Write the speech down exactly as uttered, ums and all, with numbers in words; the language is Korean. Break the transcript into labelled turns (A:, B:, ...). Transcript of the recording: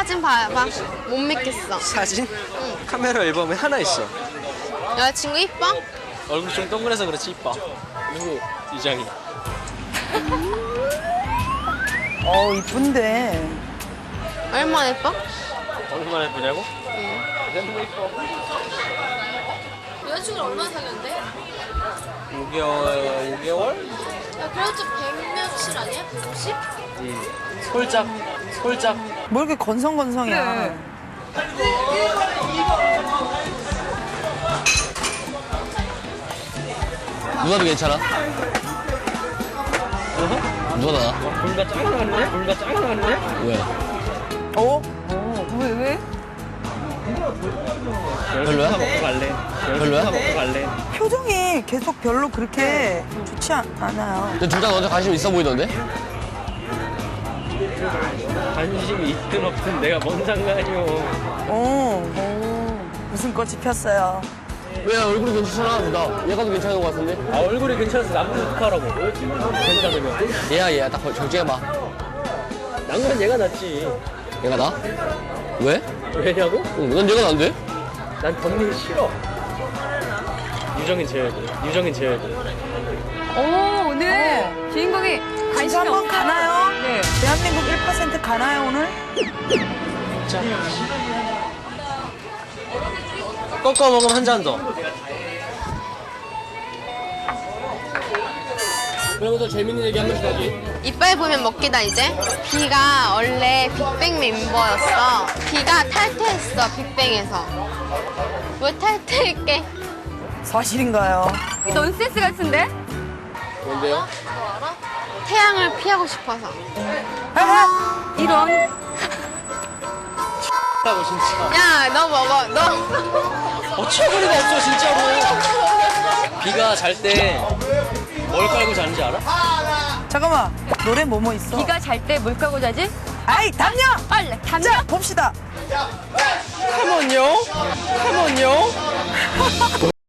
A: 사진 봐봐. 못 믿겠어.
B: 사진? 응. 카메라 앨범에 하나 있어.
A: 여자친구 이뻐?
B: 얼굴 좀 동그래서 그렇지 이뻐. 누구? 이장이.
C: 어 이쁜데.
A: 얼마나 예뻐?
B: 얼마나 예쁘냐고?
A: 응.
B: 너무 이뻐.
A: 여자친구랑 얼마나 사귀었는데?
B: 오 개월, 오 개월?
A: 야, 그래도 백 며칠 아니야? 백오십?
B: 응. 솔짝, 솔짝.
C: 뭐 이렇게 건성건성이야.
D: 누나도 괜찮아? 누가 나?
B: 뭔가 짱나갔네? 뭔가 짱나갔네?
D: 왜?
C: 어? 어? 왜 왜?
D: 별로야?
B: 먹고 갈래.
D: 별로야?
B: 먹고 갈래.
C: 표정이 계속 별로 그렇게 좋지 않, 않아요.
D: 근데 둘 다 너한테 관심 있어 보이던데?
B: 관심이 있든 없든 내가 뭔 상관이요.
C: 어. 어. 무슨 꽃이 폈어요.
D: 왜 얼굴이 괜찮아? 나 얘가 더 괜찮은 것 같은데?
B: 아 얼굴이 괜찮아서 남편 어떡하라고. 괜찮으면.
D: 얘야 얘야 딱 정지해봐.
B: 남자는 얘가 낫지.
D: 얘가 나? 왜?
B: 왜냐고?
D: 응, 난 얘가 난데?
B: 난 던닝 싫어. 유정인 제외고. 유정인 제외고.
E: 오, 오늘 주인공이
C: 진짜
E: 관심이
C: 한번
E: 없어요.
C: 가나요?
E: 네.
C: 대한민국 일 퍼센트 가나요 오늘?
B: 자. 꺾어 먹으면 한 잔 더.
D: 그러면서 재밌는 얘기 한 번씩 하지.
A: 이빨 보면 먹기다 이제. 비가 원래 빅뱅 멤버였어. 비가 탈퇴했어 빅뱅에서. 왜 탈퇴했게?
C: 사실인가요?
E: 이 넌센스 같은데?
D: 뭔데요?
A: 태양을 피하고 싶어서.
C: 아,
E: 이런.
B: 라고 진짜.
A: 야, 너 먹어. 너.
B: 어처구니가 없어 진짜로. 비가 잘 때 뭘 깔고 자는지 알아?
C: 잠깐만 노래 뭐뭐 있어?
E: 비가 잘 때 뭘 까고 자지?
C: 아이 담요!
E: 빨래. 담요?
C: 자 봅시다.
B: 컴온요. 컴온요.